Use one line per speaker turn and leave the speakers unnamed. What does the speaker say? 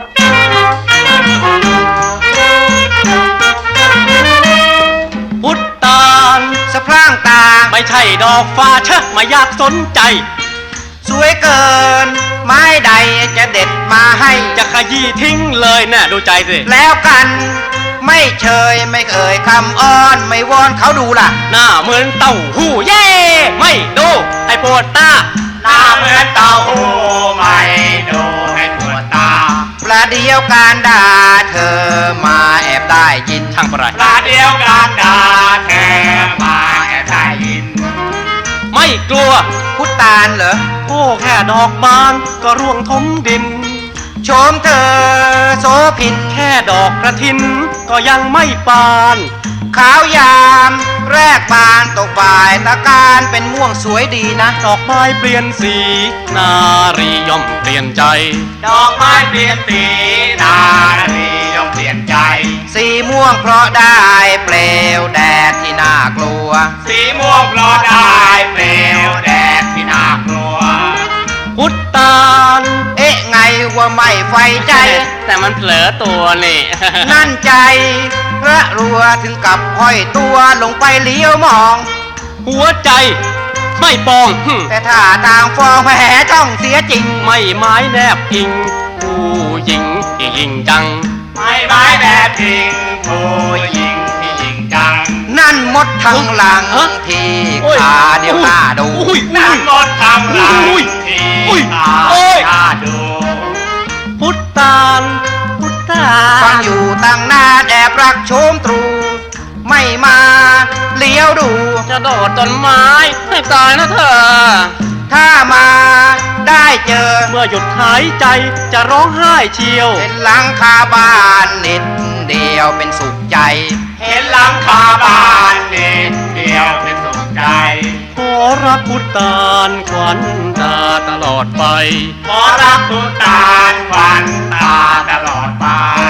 พุทธาล
สะพร่างตา
ไม่ใช่ดอกฟ้าเชอะมาอยากสนใจ
สวยเกินไม้ใดจะเด็ดมาให้
จะขยี้ทิ้งเลยน่ะดูใจสิ
แล้วกันไม่เชยไม่เอ่ยคำอ้อนไม่วอนเขาดูล่ะ
หน้าเหมือนเต้าหู้เย่ไม่ดูให้ปวดตา
หน้าเหมือนเต้าหู้ไม่ดูให้ปวดตาประเดียวการด่าเธอมาแอบได้ยิน
ช่างประไร
ประเดียวการด่าเธอมาแอบได้ยิน
ไม่กลัว
พุทธาลเหรอ
โอ้แค่ดอกบานก็ร่วงทมดิน
โฉมเธอโสพิน
แค่ดอกกระถินก็ยังไม่ปาน
ขาวยามแรกบานตกบ่ายตะการเป็นม่วงสวยดีนะ
ดอกไม้เปลี่ยนสีนารีย่อมเปลี่ยนใจ
ดอกไม้เปลี่ยนสีนารีย่อมเปลี่ยนใจสีม่วงเพราะได้เปลวแดดที่น่ากลัวสีม่วงเพราะได้เปลวแดดที่น่ากลัว
พุทธาล
เอ๊ะไงว่าไม่ไฟใจ
แต่มันเผลอตัวนี่
นั่นใจพระรัวถึงกับห้อยตัวลงไปเลี้ยวมอง
หัวใจไม่ปอง
แต่ถ้าต่างฟองแผลจ้องเสียจริง
ไม่ไม้แนบพิงผู้หญิงที่ยิงจัง
ไม่ไม้แนบพิงผู้หญิงที่ยิงจังนั่นมดทางหลังที่ขาเดียวหน้าดูนั่นมดทางหลังที่ขาหน้าดู
พุทธาลพุทธาล
ฟังอยู่ตั้งนานแอบรักโชมตรูไม่มาเลี้ยวดู
จะโดดต้นไม้ให้ตายนะเธอ
ถ้ามาได้เจอ
เมื่อหยุดหายใจจะร้องไห้เชียว
เห็นหลังคาบ้านนิดเดียวเป็นสุขใจเห็นหลังคาบ้านนิดเดียวเป็นสุขใจ
ขอรักพุทธาลขวัญตาตลอดไป
ขอรักพุทธาลขวัญตาตลอดไป